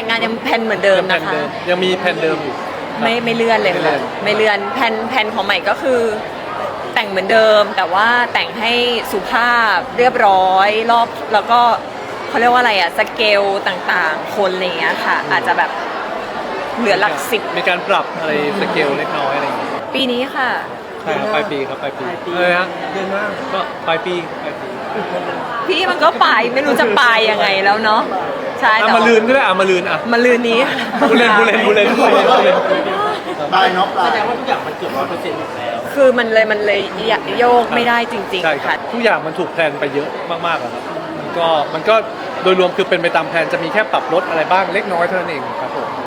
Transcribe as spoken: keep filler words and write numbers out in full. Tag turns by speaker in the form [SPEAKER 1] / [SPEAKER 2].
[SPEAKER 1] งานยังแผนเหมือนเดิมนะคะ
[SPEAKER 2] ยังมีแผนเดิมอยู่
[SPEAKER 1] ไม่ไม่เลื่อนเลยค่ะไม่เลื่อนแผนแผนของใหม่ก็คือแต่งเหมือนเดิมแต่ว่าแต่งให้สุภาพเรียบร้อยรอบแล้วก็เขาเรียกว่าอะไรอะสเกลต่างๆคนอะไรอย่างเงี้ยค่ะอาจจะแบบเหลือหลักสิบ
[SPEAKER 2] มีการปรับอะไรสเกลเล็กน้อยอะไรอย่างเงี้ย
[SPEAKER 1] ปีนี้ค่ะ
[SPEAKER 2] ใช่ครับปลายปีครับปลายปีเออฮะเดือนหน้าก็ปลายปีปลายปี
[SPEAKER 1] พี่มันก็ไปไม่รู้จะไปยังไงแล้วเนาะใช่แต่
[SPEAKER 2] มาลืนก็ได้อ่ะมาลืนอ่ะ
[SPEAKER 1] มาลืนนี้
[SPEAKER 2] บูเลนบูเลนบูเลนบูเลนบูเลน
[SPEAKER 3] ปลายเนาะปลาย
[SPEAKER 4] แสดงว่าทุกอย่างมันเกือบร้อยเปอร์เซ็นต์หมดแล้ว
[SPEAKER 1] คือมันเลยมันเลยโยกไม่ได้จริงๆค่ะ
[SPEAKER 2] ทุกอย่างมันถูกแพลนไปเยอะมากๆครับมันก็มันก็โดยรวมคือเป็นไปตามแพลนจะมีแค่ปรับลดอะไรบ้างเล็กน้อยเท่านั้นเองครับผม